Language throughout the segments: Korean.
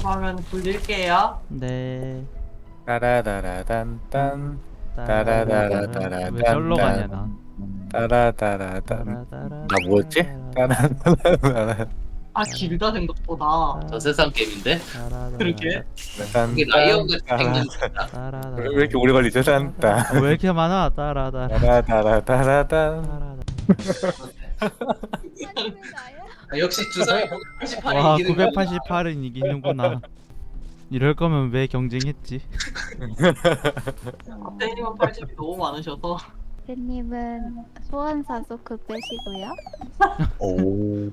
그러면 굴릴게요. 네. 따라다라단딴 왜 따라다라다라단 절로 가냐 나. 따라다라단 나 뭐였지? 따라다라단 아 길다 생각보다. 저 세상 게임인데? 그러게. 이게 라이언과 생긴 왜 이렇게 오래 걸리죠? 딴따 왜 이렇게 많아? 따라다. 따라다라다라단 역시 주사위 98이 와, 이기는 거 988은 이기는구나. 이럴 거면 왜 경쟁했지? 앞대님은 80이 너무 많으셔서. 팬님은 소환사 소크 빼시고요. 오.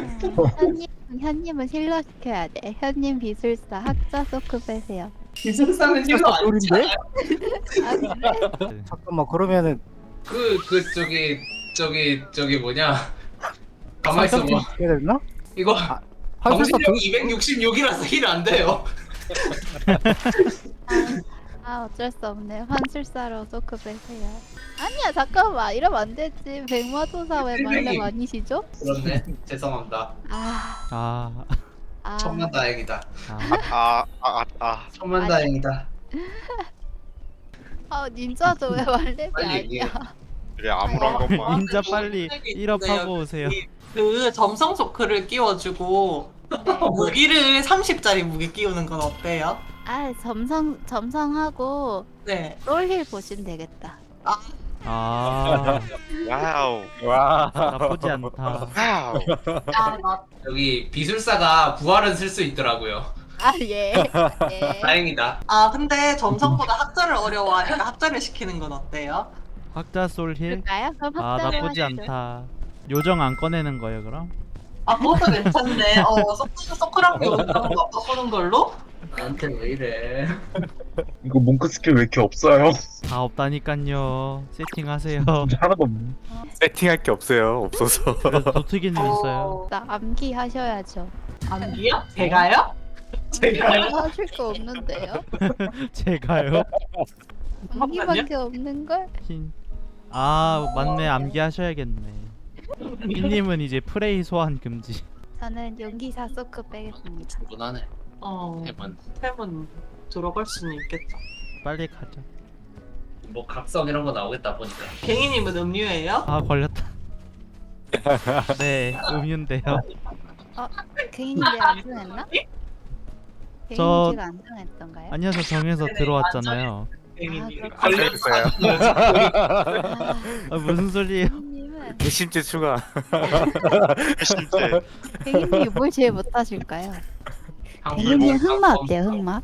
현님은 힐러 시켜야 돼. 현님 비술사 학자 소크 빼세요. 기승사는 힐러 아니지? 아 그래? 잠깐만 그러면은 저기 뭐냐 가만 있어봐 해야 되나? 이거 한술사 정신력이 266이라서 힐 안 돼요. 아 어쩔 수 없네. 환술사로 소크 빼세요. 아니야 잠깐만 이러면 안 되지. 백마도사 왜 말렙 아니시죠? 그렇네. 죄송합니다. 아 천만다행이다. 아, 천만다행이다. 닌자도 왜 말렙이 빨리 아니야? 얘기해. 그래 아무런 것만 인자 빨리 1업하고 오세요. 그 점성 소크를 끼워주고 무기를 30짜리 무기 끼우는 건 어때요? 아 점성하고 네. 롤힐 보시면 되겠다. 아, 와우 와 나쁘지 않다. 와우 여기 비술사가 부활은 쓸 수 있더라고요. 아 예. 예. 다행이다. 근데 점성보다 학자를 어려워하니까 학자를 시키는 건 어때요? 학자 솔힐? 그럴까요? 그럼 아, 확장을 나쁘지 하시죠. 않다. 요정 안 꺼내는 거예요, 그럼? 그것도 괜찮네. 소크랑 요즘 바꾸는 걸로? 나한테 왜 이래? 이거 몽크 스킬 왜 이렇게 없어요? 다 없다니깐요. 세팅하세요. 하나도 없네. 세팅할 게 없어요 없어서 그래도 도트기는 있어요. 나 암기 하셔야죠. 암기요? 제가요? 제가요? 하실 거 없는데요? 제가요? 암기밖에 없는 걸? 흰. 아, 맞네. 암기하셔야겠네. 흰님은 이제 프레이 소환 금지. 저는 용기사 소크 빼겠습니다. 무난해. 해만. 템은 들어갈 수는 있겠다. 빨리 가자. 뭐 각성 이런 거 나오겠다 보니까. 갱이님은 음료예요? 아, 걸렸다. 네, 음유인데요. 개인이 안 정했나? 저- 개인이 안 정했던가요? 아니요, 저 정해서 들어왔잖아요. 갱이님. 그렇구나. 걸려있어요 아, 무슨 소리예요? 개인님은 개심죄 추가 실제 개인님이 뭘 제일 못하실까요? 한국 개인님 뭐 흑마 각성. 어때요? 흑마?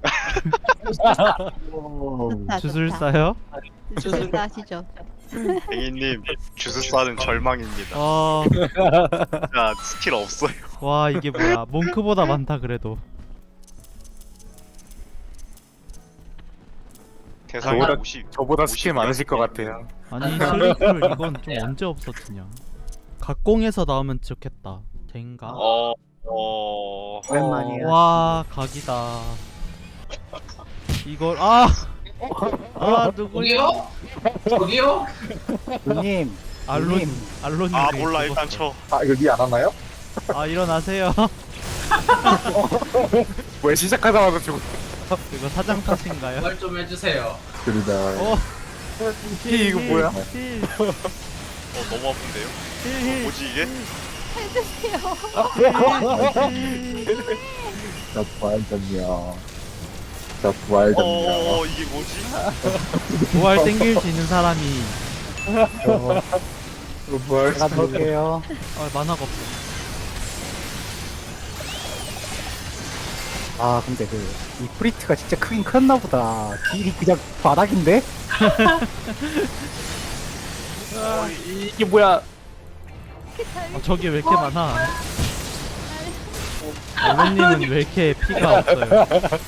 좋다, 주술사요? 좋다. 주술사 하시죠. 갱이님 주술사는 절망입니다. 어, 자 스킬 없어요. 와, 이게 뭐야. 몽크보다 많다, 그래도. 대상이 저보다- 50 저보다 스킬 많으실 것 같아요 아니, 슬리플 이건 좀 언제 없었지냐. 각공에서 나오면 좋겠다. 된가? 오랜만이야. 와, 각이다. 이걸 누구야? 저기요? 님. 알론님. 아 몰라 일단 쳐. 아 이거 니안 하나요? 아, 일어나세요. 왜 시작하자마자 죽어 이거 사장 탓인가요? 말 좀 해주세요. 그러다. 어, 이거 뭐야? 힐, 너무 아픈데요? 힐, 뭐지 이게? 나 부활전이야. 나 부활전이야. 이게 뭐지? 부활 땡길 수 있는 사람이 부활. 제가 볼게요. 만화가 없어. 아 근데 이 프리트가 진짜 크긴 컸나 보다. 딜이 그냥 바닥인데? 이게 뭐야 저게 왜 이렇게 많아? 알론님은 왜 이렇게 피가 없어요?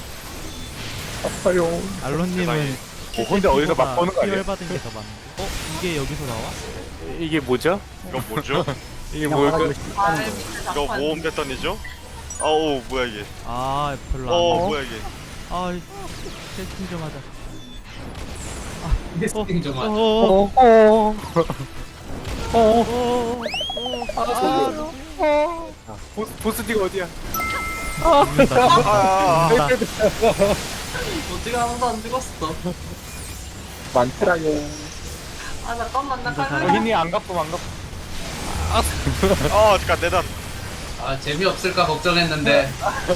아파요. 알론님은 근데 어디서 막 보는 거 아니야? 피열 받은 게 더 많은데. 이게 여기서 나와? 이게 뭐죠? 이건 뭐죠? 이게 그냥 뭘까? 바닥으로 씹는 거. 이거 모험 패턴이죠? 아우 뭐야 이게? 아, 별로 안 나와. 뭐야 이게? 세팅 좀 하자. 세팅 좀 하자. 보스 딜 어디야? 죽는다. 아, 죽는다. 어떻게 아무도 안 죽었어. 많더라요. 아 잠깐만 나 혼자 칼날. 살아. 여기니 안 갚음 안 갚음. 잠깐 내단. 아 재미없을까 걱정했는데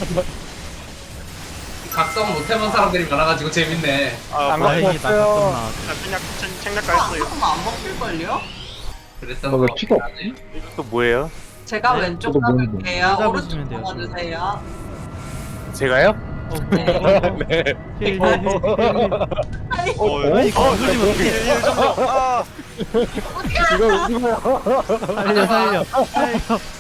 각성 못해본 사람들이 많아가지고 재밌네. 안 뭐, 갚았어요. 다행이다. 가끔 나왔어. 책략 아, 했어요. 잠깐만 안 먹힐걸요? 그랬던 왜 거 피가 없- 같네. 이것도 뭐예요? 제가 네? 왼쪽 저도 뭐- 잡을게요. 잡으시면 오른쪽 돼요, 잡아주세요. 제가요? 네. 힐, 힐, 힐, 힐, 힐. 아니, 거슬리면 어떡해. 이거 이거요. 살려, 살려, 살려.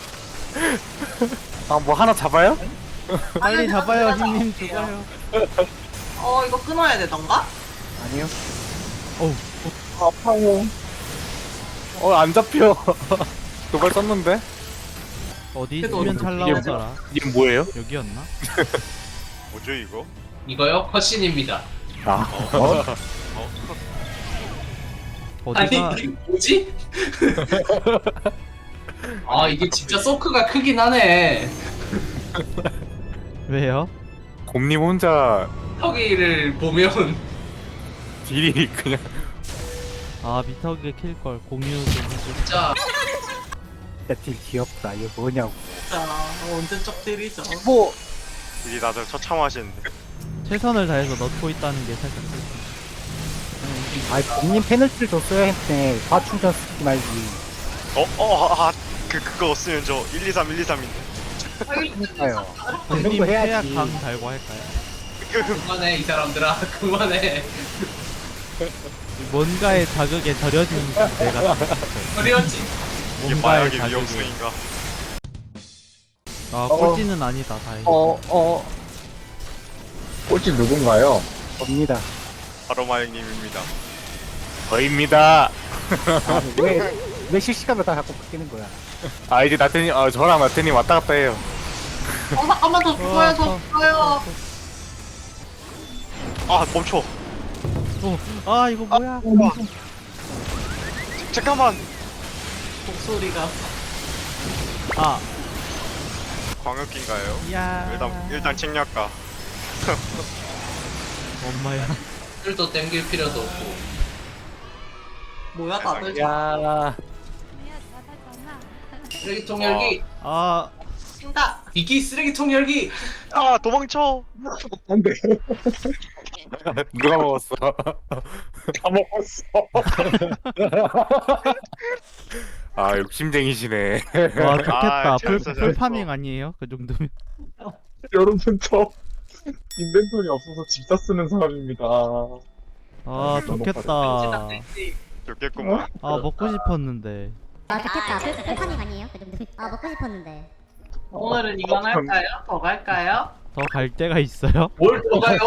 아 뭐 하나 잡아요? 빨리 잡아요, 흰님 죽어요. 이거 끊어야 되던가? 아니요. 어우, 아파요. 안 잡혀. 도발 썼는데? 어디 그래도 있으면 어디- 잘 이게 나오더라. 이게 뭐예요? 여기였나? 뭐죠 이거? 이거요? 컷신입니다. 아, 아니 어디가 이게 뭐지? 아 이게 진짜 소크가 크긴 하네. 왜요? 곰님 혼자 턱이를 보면 딜이 그냥 아 미터기 킬걸 공유 좀 해줘. 진짜 딜 귀엽다. 이거 뭐냐고. 자 언제 적 때리죠? 뭐 이 다들 처참하시는데. 최선을 다해서 넣고 있다는 게 살짝 슬픈. 아이 본인 페널티를 줬어야 했네. 과충전 쓰지 말지. 그거 없으면 저 1, 2, 3, 1, 2, 3인데. 아요. 그런 님 거 태약 해야지. 강 달고 할까요? 그만해 이 사람들아 그만해. 뭔가의 자극에 절여진 내가 어려웠지. 이게 뭔가의 마약의 자극에. 위험성인가? 아 꼴찌는 아니다 다행히. 꼴찌 누군가요? 접니다. 바로 마약님입니다. 저입니다. 왜 실시간으로 다 자꾸 바뀌는 거야? 아 이제 나태님 저랑 나태님 왔다 갔다 해요. 잠깐만 더 죽어요 더 죽어요. 멈춰. 아 이거 뭐야? 잠깐만. 목소리가 아 광역기인가요? 야. 일단 책략가. 엄마야. 술도 땡길 필요도 없고. 뭐야 다들 야. 쓰레기통 열기. 아 친다. 비키 쓰레기통 열기. 도망쳐. 누가 먹었어? 다 먹었어. 아 욕심쟁이시네. 와 좋겠다. 잘했어, 풀 파밍 아니에요? 그 정도면. 여러분 저 인벤토리 없어서 집사 쓰는 사람입니다. 아 좋겠다. 좋겠구만. 아 먹고 싶었는데. 아 좋겠다. 풀파밍 아니에요? 그 정도. 아 먹고 싶었는데. 오늘은 이만 할까요? 더 갈까요? 더 갈 데가 있어요? 뭘 더 가요?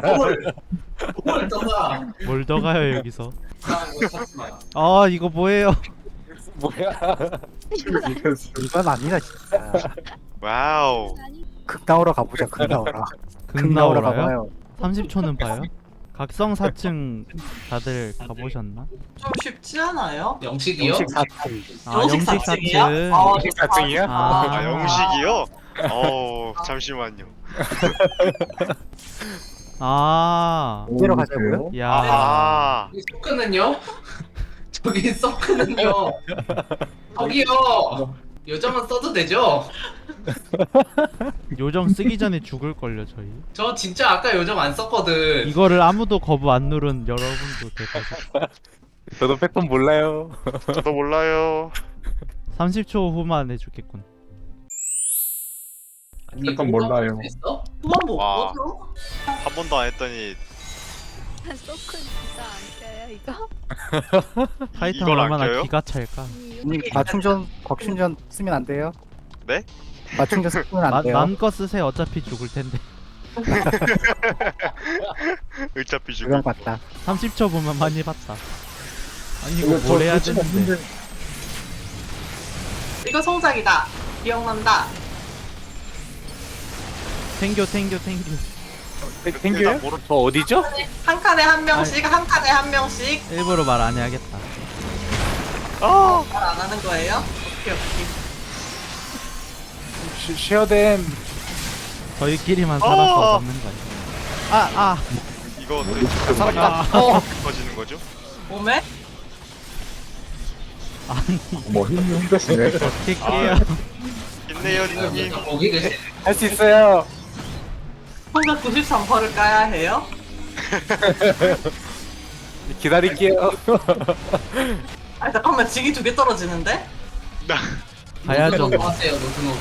뭘 더 가? 뭘 더 가요 여기서? 아, 이거 찾지 마. 아 이거 뭐예요? 뭐야? 이건 아니다 진짜. 와우. 극 나오러 가보자. 극 나오러. 극 나오라요? 가봐요. 30초는 봐요? 각성 4층 다들 가보셨나? 좀 쉽지 않아요? 영식이요? 영식 사투리. 아 영식 영식 4층이요? 4층. 아, 4층이야? 아, 영식이요? 잠시만요. 아. 이대로 가자고요? 야. 이 소크는요? 저기 소크는요? 저기요. 요점은 써도 되죠? 요정 쓰기 전에 죽을걸요 저희. 저 진짜 아까 요점 안 썼거든. 이거를 아무도 거부 안 누른 여러분도 대박. 저도 패턴 몰라요. 저도 몰라요. 30초 후만 해주겠군. 아니, 약간 이거 몰라요. 있어? 그만 못 와. 보죠? 한 번도 안 했더니 소크 진짜 안 껴요 이거? 타이탄 이걸 안 얼마나 껴요? 기가 찰까? 님 과충전 쓰면 안 돼요? 네? 과충전 쓰면 안 돼요? 맘껏 쓰세요. 어차피 죽을 텐데. 어차피 그건 죽음. 맞다. 30초 보면 많이 봤다. 아니 이거 뭘 해야 되는데? 이거 성작이다. 기억난다. 탱겨. 탱규요? 저 어디죠? 한 칸에 한 명씩, 한 칸에 한 명씩. 일부러 말 안 해야겠다. 말 안 하는 거예요? 오케이. 쉐어댐. 저희끼리만 살아서 먹는 거 아니야? 이거 어떻게 살았다. 터지는 거죠? 몸에? 뭐 힘이 힘드시네. 어떻게 깨요? 있네요, 닉님. 거기 계시. 할 수 있어요. 혼자 93%를 까야 해요? 기다릴게요. 아 잠깐만 지기 2개 떨어지는데? 가야죠. 노트노버 하세요 노트노버.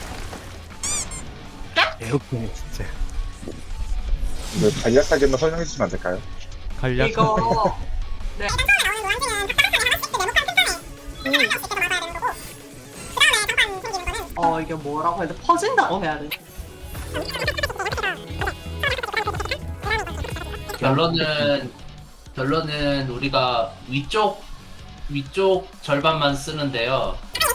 에어컨이 진짜. 네, 간략하게만 설명해 주시면 안 될까요? 간략. 이거 이게 뭐라고 해야 돼? 퍼진다고 해야 돼. 결론은 우리가 위쪽 절반만 쓰는데요.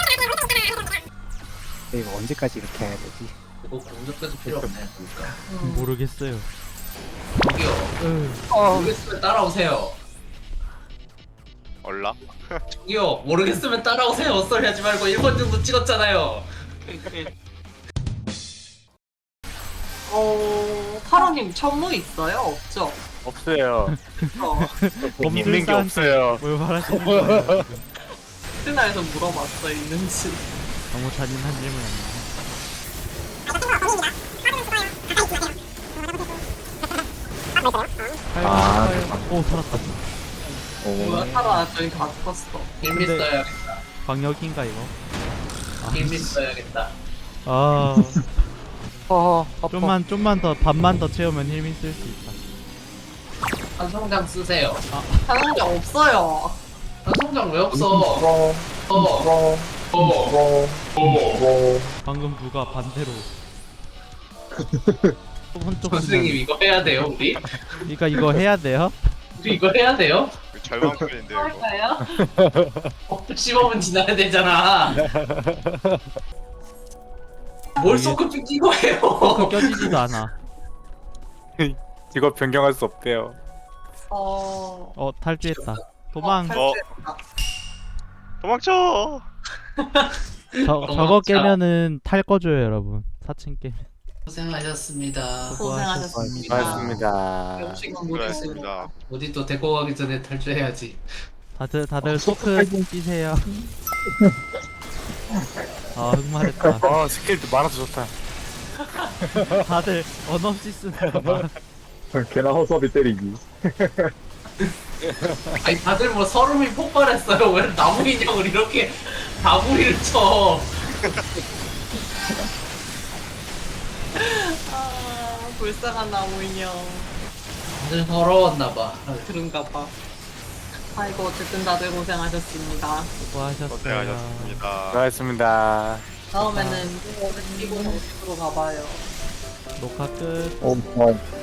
이거 언제까지 이렇게 해야 되지? 이거 공격해도 필요 없네 보니까. 모르겠어요. 저기요. 모르겠으면 따라오세요. 얼라? 저기요. 모르겠으면 따라오세요. 헛소리 하지 말고 1번 정도 찍었잖아요. 파로님 천무 있어요? 없죠? 없어요. 있는 게 범술사한테 없어요. 뭘 말하시는 거예요? 트나에서 물어봤어 있는지. 너무 잔인한 질문이네. 아, 오 살았다. 뭐야 타라 저기 다 죽었어. 힐미 근데- 써야겠다. 광역인가 이거? 힐미 써야겠다. 아 아파. 좀만 더 반만 더 채우면 힐미 쓸 수 있다. 한성장 쓰세요. 하는 게 없어요. 한성장 왜 없어? 방금 누가 반대로. 한쪽 선생님 이거 해야 돼요 우리? 그러니까 이거 해야 돼요? 우리 이거 해야 돼요? 절망풀인데요, 이거. 할까요? 15분 지나야 되잖아. 뭘 소크피 끼고 해요? 껴지지도 않아. 직업 변경할 수 없대요. 탈주했다. 도망. 도망쳐! 저거 깨면은 탈 거줘요 여러분. 4층 깨면. 고생하셨습니다. 고생하셨습니다. 고맙습니다. 음식은 못 드시고. 그렇습니다. 어디 또 데리고 가기 전에 탈주해야지. 다들 소크 끼세요. 아 흑말했다. 스킬도 많아서 좋다. 다들 언 없이 쓰는 거. 걔나 허섭이 때리기. 아니 다들 뭐 서름이 폭발했어요. 왜 나무 인형을 이렇게 다구리를 쳐? 불쌍한 나무 인형. 다들 서러웠나봐. 그런가 봐. 아이고 어쨌든 다들 고생하셨습니다. 수고하셨어요. 고생하셨습니다. 수고하셨습니다. 다음에는 끼고 정식으로 가봐요. 녹화 끝. 어,